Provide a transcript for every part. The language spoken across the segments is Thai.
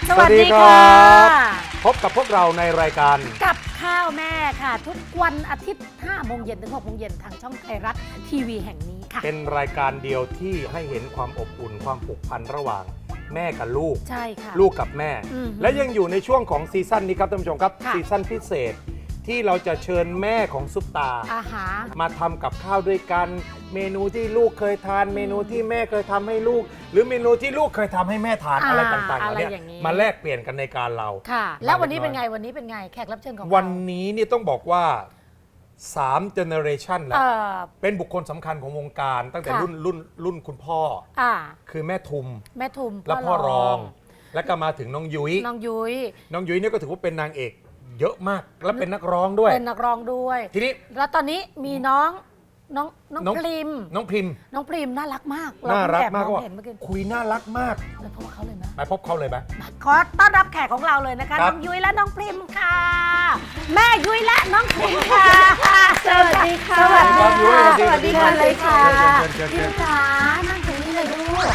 สวัสดีครับพบกับพวกเราในรายการกับข้าวแม่ค่ะ ทุกวันอาทิตย์ 5 โมงเย็นถึง 6 โมงเย็นทางช่องไทยรัฐทีวีแห่งนี้ค่ะเป็นรายการเดียวที่ให้เห็นความอบอุ่นความผูกพันระหว่างแม่กับลูกใช่ค่ะลูกกับแม่ และยังอยู่ในช่วงของซีซั่นนี้ครับท่านผู้ชมครับค่ะซีซั่นพิเศษที่เราจะเชิญแม่ของซุปตาอาหารมาทำกับข้าวด้วยกัน เมนูที่ลูกเคยทาน เมนูที่แม่เคยทำให้ลูก หรือเมนูที่ลูกเคยทำให้แม่ทานอะไรต่างๆเหล่านี้มาแลกเปลี่ยนกันในการเราค่ะ แล้ววันนี้เป็นไงวันนี้เป็นไงแขกรับเชิญของเราวันนี้นี่ต้องบอกว่า3 generation แล้ว เป็นบุคคลสำคัญของวงการตั้งแต่ค่ะรุ่นคุณพ่อ คือแม่ทุมแม่ทุมและพ่อรอง แล้วก็มาถึงน้องยุ้ยน้องยุ้ยน้องยุ้ยเนี่ยก็ถือว่าเป็นนางเอกเยอะมาก และเป็นนักร้องด้วยเป็นนักร้องด้วยทีนี้แล้วตอนนี้มีน้องพริมน้องพิมพ์น้องพริมน่ารักมากน่ารักมากเพิ่งว่าแอบเห็นเมื่อกี้คุยน่ารักมากไปพบเขาเลยนะไปพบเขาเลยไหมขอต้อนรับแขกของเราเลยนะคะครับน้องยุ้ยและน้องพริมค่ะ แม่ยุ้ยและน้องพริมค่ะสวัสดีค่ะสวัสดีครับยุ้ยค่ะสวัสดีกันเลยค่ะเชิญพริมจ๋านั่งตรงนี้เลยลูก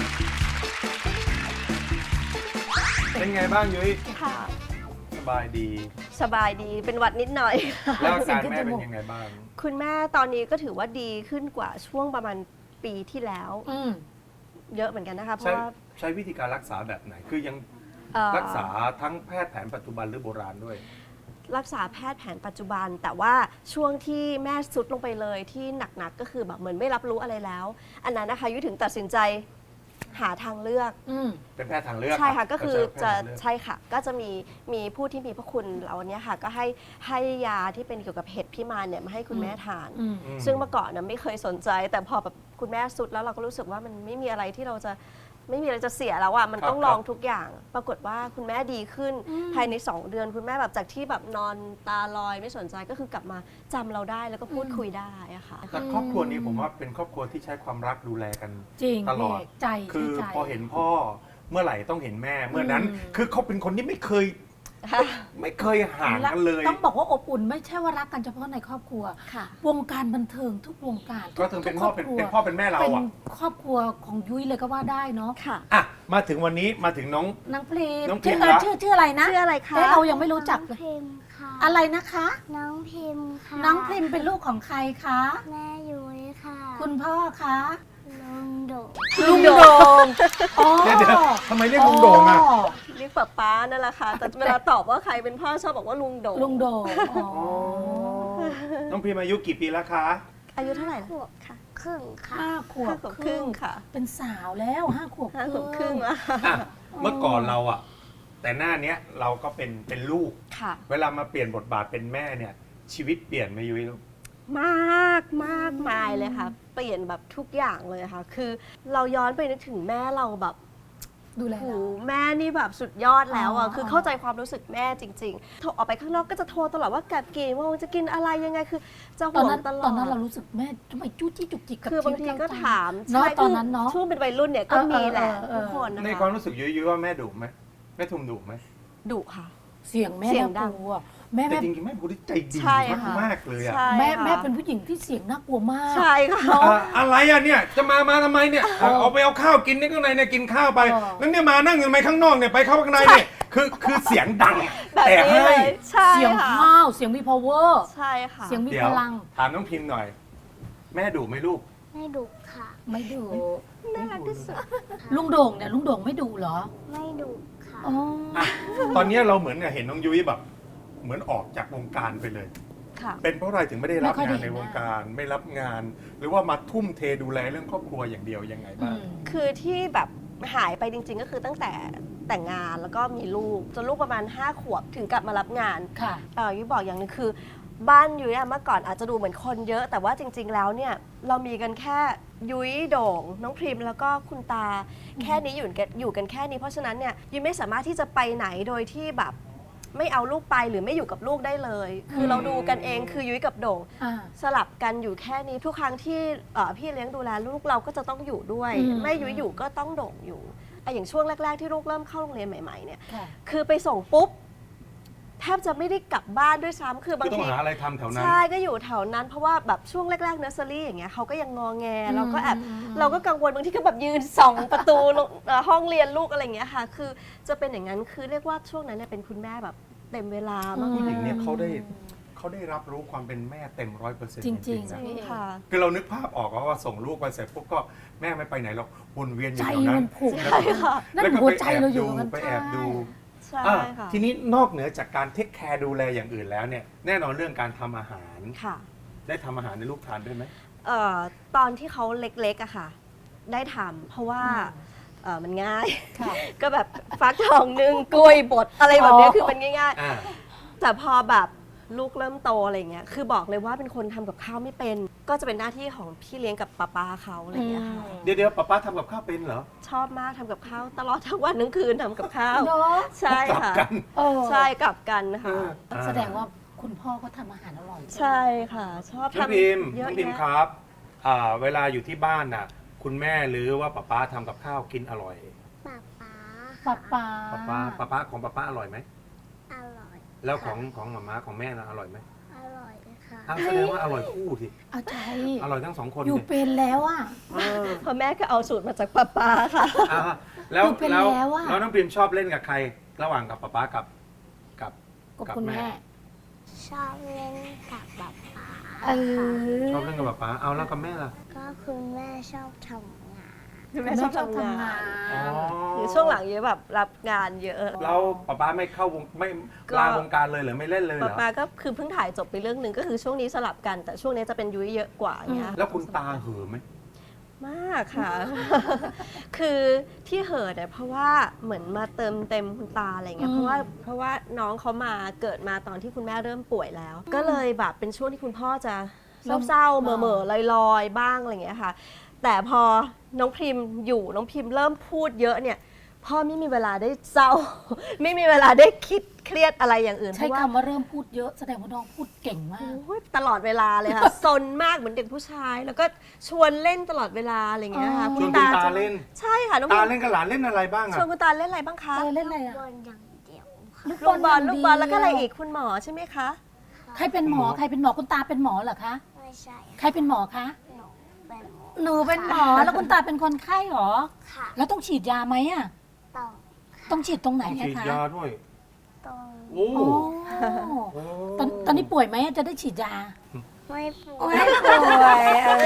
เป็นไงบ้างยุ้ยค่ะสบายดีสบายดีเป็นหวัดนิดหน่อยแล้วอาการแม่เป็นยังไงบ้างคุณแม่ตอนนี้ก็ถือว่าดีขึ้นกว่าช่วงประมาณปีที่แล้ว เยอะเหมือนกันนะคะ เพราะว่าใช้วิธีการรักษาแบบไหน คือยัง รักษาทั้งแพทย์แผนปัจจุบันหรือโบราณด้วยรักษาแพทย์แผนปัจจุบัน แต่ว่าช่วงที่แม่สุดลงไปเลยที่หนักๆก็คือแบบเหมือนไม่รับรู้อะไรแล้ว อันนั้นนะคะยุ้ยถึงตัดสินใจหาทางเลือกเป็นแพทย์ทางเลือกใช่ค่ะก็คือจะใช่ใช่ค่ะก็จะมีผู้ที่มีพระคุณเราเนี้ยค่ะก็ให้ยาที่เป็นเกี่ยวกับเห็ดพิมานเนี่ยมาให้คุณแม่ทาน ซึ่งเมื่อก่อนนะไม่เคยสนใจ แต่พอแบบคุณแม่สุดแล้วเราก็รู้สึกว่ามันไม่มีอะไรที่เราจะไม่มีอะไรจะเสียแล้วอ่ะมันต้องลองทุกอย่าง ปรากฏว่าคุณแม่ดีขึ้นภายใน 2 เดือนคุณแม่แบบจากที่แบบนอนตาลอยไม่สนใจก็คือกลับมาจำเราได้แล้วก็พูดคุยได้อะค่ะแต่ครอบครัวนี้ผมว่าเป็นครอบครัวที่ใช้ความรักดูแลกันจริงตลอดพี่ใจคือใจพอเห็นพ่อเมื่อไหร่ต้องเห็นแม่ เมื่อนั้น คือเขาเป็นคนที่ไม่เคยห่างกันเลยต้องบอกว่าอบอุ่นไม่ใช่ว่ารักกันเฉพาะในครอบครัวค่ะวงการบันเทิงทุกวงการก็ถึงเป็นพ่อเป็นทุกครบครัวพ่อเป็นแม่เราเป็นอ่ะครอบครัวของยุ้ยเลยก็ว่าได้เนาะค่ะอ่ะมาถึงวันนี้มาถึงน้องนางพริมน้องพริชื่มอละชื่ออะไรนะชื่ออะไรคะเรายังไม่รู้จักน้องเลยพิมพ์ค่ะอะไรนะคะน้องพิมพ์ค่ะน้องพริมเป็นลูกของใครคะแม่ยุ้ยค่ะคุณพ่อคะลุงโดดลุงโด่งอ๋อเดี๋ยวทำไมเรียกลุงโด่งอ่ะเรียกป๊าป๊านั่นแหละค่ะ แต่เวลาตอบว่าใครเป็นพ่อชอบบอกว่าลุงโดลุงโด่งอ๋อน้องพิมอายุกี่ปีแล้วคะอายุเท่าไหร่ขวบค่ะครึ่งค่ะ 5 ขวบ 5 ขวบครึ่งค่ะเป็นสาวแล้ว5 ขวบ 5 ขวบครึ่งแล้วอ่ะเมื่อก่อนเราอ่ะ แต่หน้าเนี้ยเราก็เป็นลูกค่ะเวลามาเปลี่ยนบทบาทเป็นแม่เนี่ย ชีวิตเปลี่ยนไหมยุ้ยลูกมากมากมายเลยค่ะ เปลี่ยนแบบทุกอย่างเลยค่ะ คือเราย้อนไปนึกถึงแม่เราแบบดูแลโหเราแม่นี่แบบสุดยอดแล้วอ๋อ่ะอคือเข้าใจความรู้สึกแม่จริงๆโทรออกไปข้างนอกก็จะโทรตลอดว่ากลับกี่โมงจะกินอะไรยังไงคือจะตห่อนวงนั้นตลอดตอนนั้นเรารู้สึกแม่ทำไมจู้จี้จุกจิกกับคือบางทีชีวิตก็เรจังถามเนาะใช่ตอนนั้นเนาะช่วงเป็นวัยรุ่นเนี่ยก็มีแหละเออทุกคนนะคะในความรู้สึกยุ้ยว่าแม่ดุไหมแม่ทุมดุไหมดุค่ะเสียงแม่เสียงดัน่าง กลัวแม่แต่แม่จริงๆแม่เป็นคนที่ใจดีใช่ค่ะมากๆเลยอ่ะใช่แม่ค่ะแม่เป็นผู้หญิงที่เสียงน่ากลัวมากใช่ค่ะอะไรอ่ะเนี่ยจะมาทำไมเนี่ยเอาไปเอาข้าวกินในข้างในเนี่ยกินข้าวไปเออแล้วเนี่ยมานั่งอยู่ทำไมข้างนอกเนี่ยไปเข้าข้างในเนี่ยคือเสียงดังแบบแต่นี้ให้เลยใช่เสียงค่ะห้าวเสียงมี power ใช่ค่ะเสียงมีเดี๋ยพวลังถามน้องพิมพ์หน่อย แม่ดุไหมลูกไม่ดุค่ะไม่ดุน่ารักที่สุดลุงโด่งเนี่ยลุงโด่งไม่ดุเหรอไม่ดุค่ะอ๋ออ่ะตอนนี้เราเหมือนกับเห็นน้องยุ้ยแบบ เหมือนออกจากวงการไปเลยค่ะเป็นเพราะอะไรถึงไม่ได้รับงานในวงการไม่รับงาน หรือว่ามาทุ่มเทดูแลเรื่องครอบครัวอย่างเดียวยังไงบ้างคือที่แบบหายไปจริงๆ ก็คือตั้งแต่แต่งงานแล้วก็มีลูกจนลูกประมาณ 5 ขวบถึงกลับมารับงานค่ะยุ้ยบอกอย่างหนึงคือ บ้านยุ้ยอะเมื่อก่อนอาจจะดูเหมือนคนเยอะ แต่ว่าจริง ๆ แล้วเนี่ยเรามีกันแค่ยุ้ยโด่ง น้องพริมแล้วก็คุณตาแค่นี้อยู่กันแค่นี้เพราะฉะนั้นเนี่ยยุ้ยไม่สามารถที่จะไปไหนโดยที่แบบไม่เอาลูกไปหรือไม่อยู่กับลูกได้เลย คือเราดูกันเองคือยุ้ยกับโด่งอ่าสลับกันอยู่แค่นี้ทุกครั้งที่พี่เลี้ยงดูแลลูกเราก็จะต้องอยู่ด้วยอืมไม่ยุ้ยอยู่ก็ต้องโด่งอยู่อย่างช่วงแรก ๆ ที่ลูกเริ่มเข้าโรงเรียนใหม่ๆเนี่ยค่ะคือไปส่งปุ๊บแทบจะไม่ได้กลับบ้านด้วยซ้ำคือบางต้อทีงหาอะไรทำแถวนั้นใช่ก็อยู่แถวนั้น เพราะว่าแบบช่วงแรกๆเนอร์เซอรี่อย่างเงี้ยเขาก็ยังงอแงเราก็แอบเราก็กังวลบางทีก็แบบยืนส่องประตูห้องเรียนลูกอะไรอย่างเงี้ยค่ะคือจะเป็นอย่างนั้นคือเรียกว่าช่วงนั้นเนี่ยเป็นคุณแม่แบบเต็มเวลามากผู้หญิงเนี่ยเขาได้รับรู้ความเป็นแม่เต็ม100% จริงๆนะใช่ค่ะคือเรานึกภาพออกว่าส่งลูกไปเสร็จปุ๊บก็แม่ไม่ไปไหนหรอกวนเวียนอยู่ใจแถวนั้มัน นผูกใช่ค่ะนั่นแล้วก็หัวใจเราอยู่กันไปแอบดูใช่อ่ะค่ะทีนี้นอกเหนือจากการเทคแคร์ดูแลอย่างอื่นแล้วเนี่ยแน่นอนเรื่องการทำอาหารค่ะได้ทำอาหารในลูกทานด้วยไหมตอนที่เขาเล็กๆอะค่ะ ได้ทำเพราะว่ามันง่ายค่ะก็แบบฟักทองนึ่งกล้วยบดอะไรแบบเนี้ยคือมันง่ายอ่าๆ แต่พอแบบลูกเริ่มโตอะไรเงี้ยคือบอกเลยว่าเป็นคนทำกับข้าวไม่เป็น ก็จะเป็นหน้าที่ของพี่เลี้ยงกับป้าเขาอะไรเงี้ยค่ะเดี๋ยวป๊าทำกับข้าวเป็นเหรอชอบมากทำกับข้าวตลอดทั้งวันทั้งคืนทำกับข้าวเนาะใช่กลับค่ะกันใช่กลับกันค่ะแสดงว่าคุณพ่อก็ทำอาหารอร่อยใช่ค่ะ ชอบน้องทำพิมพ์เยน้อะองพิมพ์แยะครับเวลาอยู่ที่บ้านน่ะ คุณแม่หรือว่าป๊าทำกับข้าวกินอร่อยป๊าป๊าป้าป๊าของป๊าอร่อยไหมอร่อยแล้วของหม่าม้าของแม่น่ะอร่อยไหมอร่อยค่ะอ้าวแสดงว่าอร่อยคู่ทีเอาใจอร่อยทั้งสองคนอยู่ดิเป็นแล้วอ่ะเพราะแม่ก็เอาสูตรมาจากป้าค่ะอ่าแล้วอยู่เป็นแล้วแล้วอะแล้วน้องพิมพ์ชอบเล่นกับใคร ระหว่างกับป๊ากับกับคุณแม่ชอบเล่นกับป๊าป๊าเออชอบเล่นกับป๊าเอาแล้วกับแม่ล่ะก็คุณแม่ชอบทำงานแม่ชอบทำงานอ๋อหรือช่วงหลังเยอะแบบรับงานเยอะแล้วป๊าไม่เข้าวงไม่ก็ลาวงการเลยเหรือไม่เล่นเลยเหรอป้าก็คือเพิ่งถ่ายจบไปเรื่องหนึ่งก็คือช่วงนี้สลับกัน แต่ช่วงนี้จะเป็นยุ้ยเยอะกว่าอย่างเงี้ยแล้วคุณตาเหือไหมมากค่ะ คือที่เหิดเนี่ยเพราะว่าเหมือนมาเติมเต็มคุณตาอะไรเงี้ยเพราะว่าน้องเขามาเกิดมาตอนที่คุณแม่เริ่มป่วยแล้ว ก็เลยแบบเป็นช่วงที่คุณพ่อจะเศร้าๆเหม่อๆลอยๆบ้างอะไรเงี้ยค่ะ แต่พอน้องพิมอยู่น้องพิมเริ่มพูดเยอะเนี่ยพ่อไม่มีเวลาได้เศร้า ไม่มีเวลาได้คิดเครียดอะไรอย่างอื่นใช้เพราะว่าคำว่าเริ่มพูดเยอะ แสดงว่าน้องพูดเก่งมากโอ้ยตลอดเวลาเลยค่ะ ซนมากเหมือนเด็กผู้ชาย แล้วก็ชวนเล่นตลอดเวลาอะไรอย่างเงี้ยค่ะชวนคุณตาจะเล่นใช่ค่ะน้องตาพิมเล่นกับหลานเล่นอะไรบ้างชอะวนคุณตาเล่นอะไรบ้างคะเล่นอะไรอ่ะบอลอย่างเดียวค่ะลูกบอลแล้วก็อะไรอีกคุณหมอใช่ไหมคะใครเป็นหมอ ใครเป็นหมอ คุณตาเป็นหมอเหรอคะไม่ใช่ใครเป็นหมอคะหนูเป็นหมอหนูเป็นหมอ แล้วคุณตาเป็นคนไข้เหรอค่ะแล้วต้องฉีดยาไหมอ่ะต่อต้องฉีดตรงไหนต้องอะฉีดคะยาด้วยตรงโอ้โอ้โอ้ตอนนี้ป่วยไหมจะได้ฉีดยาไม่ปวไม่ดป่วย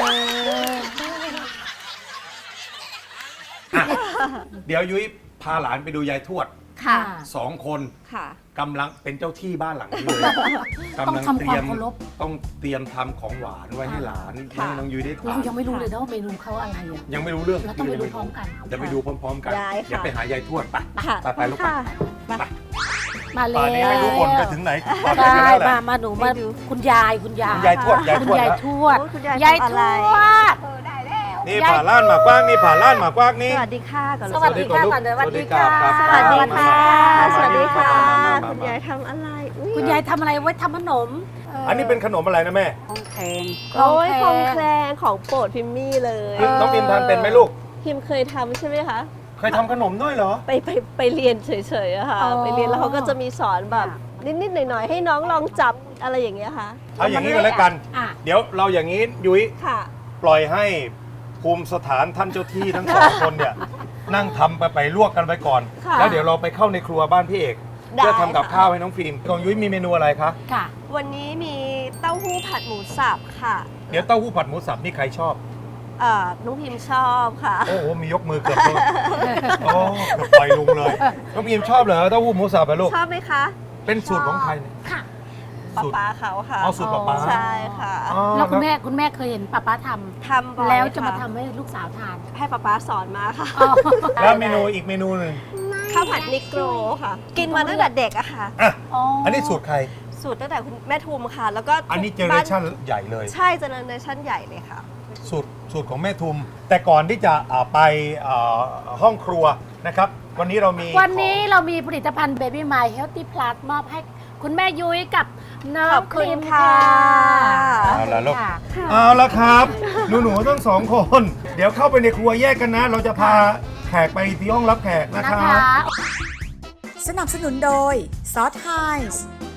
อ่ะเดี๋ยวยุ้ยพาหลานไปดูยายทวดค่ะ 2 คนค่ะกำลังเป็นเจ้าที่บ้านหลังนี้เลยต้องทำความเคารพต้องเตรียมทำของหวานไว้ให้หลานค่ะให้น้องยุ้ยได้ทาเรานยังไม่รู้เลยนะว่าเมนูเขาอะไรอ่ะยังไม่รู้เรื่องเราต้องไปดูพร้อมกันเดี๋ยวไปดูพร้อมๆกันได้ค่ะเดี๋ยวไปหายายทวดไปค่ะไปลูกไปค่ะมาเลยป่านนี้ไม่รู้คนไปถึงไหนตอนไหนใช่กันแล้วแหละมาหนูมาคุณยายคุณยายคุณยายทวดยายคุณทวดยายนะทวดโอ้ยคุณยายยายทำทอะไรวดนี่ยายผ่าล้านหมากกว้างนี่ผ่าล้านหมากกว้างนี่สวัสดีค่ะก่อนสวัสดีค่ะก่อนเลยสวัสดีค่ะสวัสดีค่ะ สวัสดีค่ะมาคุณยายทำอะไรอุ๊คุณยายทำอะไรไว้ทำขนมอันนี้เป็นขนมอะไรนะแม่โอ้ยของแคลงของโปรดพิมมี่เลยน้องพิมทานเป็นไหมลูกพิมเคยทำใช่ไหมคะเคยทำขนมด้วยเหรอไปเรียนเฉยๆอะค่ะอ๋อไปเรียนแล้วเขาก็จะมีสอนแบบนิดๆหน่อยๆให้น้องลองจับอะไรอย่างเงี้ยค่ะเอาอย่างนี้กันแล้วกันอ่ะเดี๋ยวเราอย่างนี้ยุ้ยค่ะปล่อยให้ภูมิสถานท่านเจ้าที่ทั้งสองคนเนี่ย นั่งทำไปลวกกันไปก่อนค่ะแล้วเดี๋ยวเราไปเข้าในครัวบ้านพี่เอกได้เพื่อทำกับค่ะข้าวให้น้องฟิล์มของยุ้ยมีเมนูอะไรคะค่ะวันนี้มีเต้าหู้ผัดหมูสับค่ะเดี๋ยวเต้าหู้ผัดหมูสับนี่ใครชอบน้องพิมชอบค่ะโอ้โหมียกมือเกือบเลยโอ้เกือบปล่อยลุงเลยน้องฟิล์มชอบเหรอเต้าหู้หมูสับอะลูกชอบไหมคะเป็นสูตรของใครเนี่ยค่ะป๊าสูตรป๊าเขาค่ะเอาสูตรป๊าใช่ค่ะอ๋อแล้วคุณแม่เคยเห็นป้าททำบ่อำยแล้วจะมาค่ทำให้ลูกสาวทานให้ป๊าสอนมาค่ะอ๋อแล้วเมนูอีกเมนูหนึ่งข้าวผัดนิโกรค่ะ กินมาตั้งแต่เด็กอะค่ะอ่ะอ๋ออัอันนี้สูตรใครสูตรตั้งแต่คุณแม่ทุมค่ะ แล้วก็อันนี้เจเนอบ้าเรชั่นใหญ่เลยใช่เจเนอเรชั่นใหญ่เลยค่ะสูตรของแม่ทุม แต่ก่อนที่จะไปห้องครัวนะครับ วันนี้เรามีวันนี้เรามีผลิตภัณฑ์ Baby My Healthy Plus มอบให้คุณแม่ยุ้ยกับน้อของ บคุณพิมค่ะเอาละลูกค่ะเอาละครับ หนูๆทั้งสองคน เดี๋ยวเข้าไปในครัวแยกกันนะ เราจะพาแขกไปที่ห้องรับแขกนะนะครับ คะสนับสนุนโดยซอสไฮส์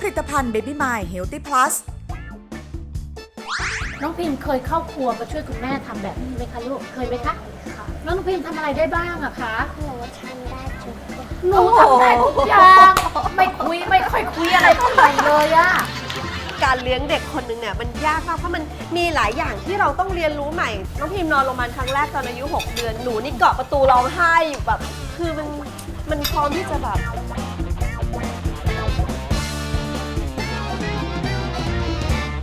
ลิตภัณฑ์ Baby My Healthy Plus น้องพิมเคยเข้าครัวมาช่วยคุณแม่ทำแบบนี้ไหมคะลูก เคยไหมคะแล้วน้องพิมทำอะไรได้บ้างอะคะหนูทำได้ทุกอย่างหนูทำได้ทุกอย่าง ไม่ค่อยคุยอะไรเท่าไหร่เลยอะการเลี้ยงเด็กคนหนึ่งเนี่ยมันยากมากเพราะมันมีหลายอย่างที่เราต้องเรียนรู้ใหม่น้องพิมนอนโรงพยาบาลครั้งแรกตอนอายุ 6 เดือนหนูนี่เกาะประตูร้องไห้อยู่แบบคือมันพร้อมที่จะแบบ